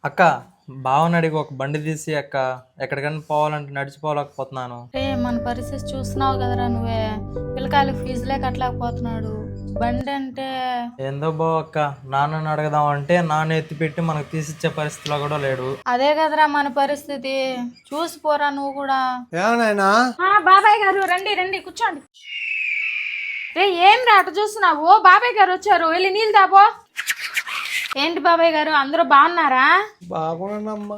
అక్క బావని అడిగి ఒక బండి తీసి అక్క ఎక్కడికైనా పోవాలంటే నడిచిపోలేకపోతున్నాను. మన పరిస్థితి చూస్తున్నావు కదరా నువ్వే. పిల్లకాయలు ఫీజులే కట్టలేకపోతున్నాడు. బండి అంటే ఏందో బావ అక్క, నాన్నని అడగదాం అంటే నాన్న ఎత్తిపెట్టి మనకు తీసిచ్చే పరిస్థితిలో కూడా లేడు. అదే కదరా మన పరిస్థితి. చూసిపోరా నువ్వు కూడా. ఏమన్నాయినా బాబాయ్ గారు రండి రండి కూర్చోండి. రే ఏం రా అటు చూస్తున్నావు? బాబాయ్ గారు వచ్చారు, వెళ్ళి నీళ్ళు తాపో. ఏంటి బాబాయ్ గారు, అందరూ బాగున్నారా? బాగున్నానమ్మా.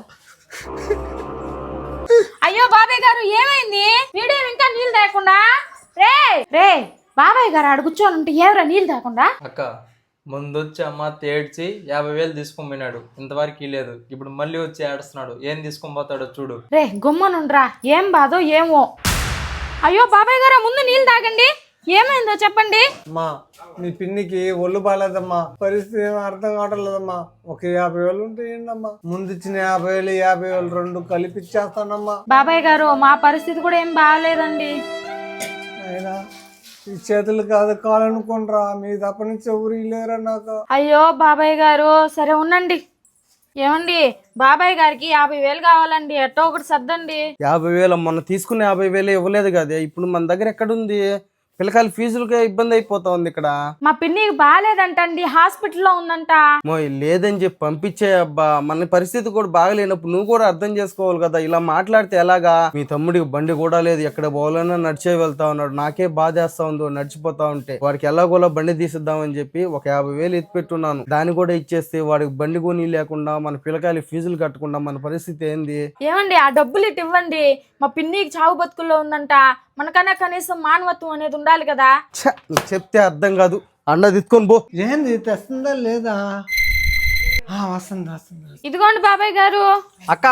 అయ్యో బాబాయ్ గారు ఏమైంది? వీడియో ఇంకా నీళ్ళు తాకుండా. రే రే బాబాయ్ గారు ఆడు కూర్చొని ఉంటే ఏవరా నీళ్ళు తాకుండా? అక్క ముందొచ్చి అమ్మ తేడ్చి 50,000 తీసుకొని పోయినాడు, ఇంతవరకు లేదు. ఇప్పుడు మళ్ళీ వచ్చి ఏడుస్తున్నాడు, ఏం తీసుకొని పోతాడో చూడు. రే గుమ్మనుండ్రా, ఏం బాధో ఏమో. అయ్యో బాబాయ్ గారు ముందు నీళ్ళు తాగండి, ఏమైందో చెప్పండి. అమ్మా మీ పిన్నికి ఒళ్ళు బాగాలేదమ్మా, పరిస్థితి ఏమో అర్థం కావట్లేదమ్మా. ఒక 50,000 ఉంటే ఏంటమ్మా? ముందు ఇచ్చిన 50,000 50,000 రెండు కలిపి ఇచ్చేస్తానమ్మా. బాబాయ్ గారు మా పరిస్థితి కూడా ఏం బాగాలేదండి. అయినా ఈ చేతులు కాదు కాలనుకోనరా, మీ తప్ప నుంచి ఎవరు లేరా నాకు. అయ్యో బాబాయ్ గారు సరే ఉండండి. ఏమండి బాబాయ్ గారికి 50,000 కావాలండి, ఎట్టో ఒకటి సర్దండి. 50,000 మొన్న తీసుకున్న 50,000 ఇవ్వలేదు కదా, ఇప్పుడు మన దగ్గర ఎక్కడుంది? పిల్లకాయల ఫీజులకే ఇబ్బంది అయిపోతా ఉంది ఇక్కడ. మా పిన్నికి బాగాలేదంటండి, హాస్పిటల్లో ఉందంట. లేదని చెప్పి పంపించే అబ్బా, మన పరిస్థితి కూడా బాగలేనప్పుడు నువ్వు కూడా అర్థం చేసుకోవాలి కదా. ఇలా మాట్లాడితే ఎలాగా? మీ తమ్ముడికి బండి కూడా లేదు, ఎక్కడ పోవాలన్నా నడిచే వెళ్తా ఉన్నాడు. నాకే బాధేస్తా ఉందో నడిచిపోతా ఉంటే. వాడికి ఎలాగోలా బండి తీసిద్దామని చెప్పి ఒక 50,000 ఎత్తిపెట్టున్నాను, దాన్ని కూడా ఇచ్చేస్తే వాడికి బండి కొని లేకుండా మన పిల్లకాయల ఫీజులు కట్టకుండా మన పరిస్థితి ఏంది? ఏమండి ఆ డబ్బులు ఇటు ఇవ్వండి, మా పిన్నికి చావు బతుకుల్లో ఉందంట. మనకన్నా కనీసం మానవత్వం అనేది ఉండాలి కదా. నువ్వు చెప్తే అర్థం కాదు, అన్న తీసుకొని పో. ఏంది తెస్తుందా లేదా? వస్తుంది వస్తుంది. ఇదిగోండి బాబాయ్ గారు. అక్క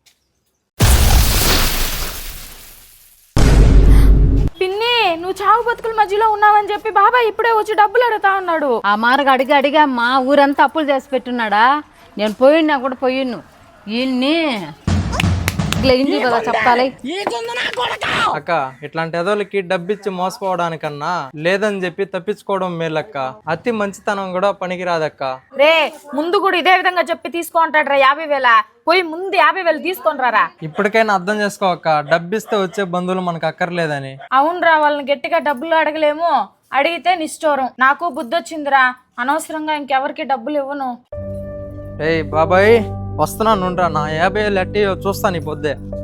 పిన్ని నువ్వు చావు బతుకుల మధ్యలో ఉన్నావని చెప్పి బాబాయ్ ఇప్పుడే వచ్చి డబ్బులు అడుగుతా ఉన్నాడు. ఆ మార్గ అడిగమ్మా ఊరంతా అప్పులు చేసి పెట్టున్నాడా. నేను పోయినా కూడా పోయిన్ను వీళ్ళని ఇంటి కదా చెప్తాలే. అక్క ఇట్లాంటి ఎదోలకి డబ్బిచ్చి మోసపోవడానికన్నా లేదని చెప్పి తప్పించుకోవడం మేలక్క. అతి మంచితనం కూడా పనికిరాదక్క. రే ముందు కూడా ఇదే విధంగా చెప్పి తీసుకుంటాడ్రా 50,000. పోయి ముందు 50,000 తీసుకుంటారా. ఇప్పటికైనా అర్థం చేసుకోవక్క, డబ్బిస్తే వచ్చే బంధువులు మనకు అక్కర్లేదని. అవునరా, వాళ్ళని గట్టిగా డబ్బులు అడగలేము, అడిగితే నిష్ఠూరం. నాకు బుద్ధి వచ్చిందిరా, అనవసరంగా ఇంకెవరికి డబ్బులు ఇవ్వను. ఏయ్ బాబాయ్ వస్తున్నాను, నా 50,000 ఎట్టి చూస్తాను ఈ పొద్దే.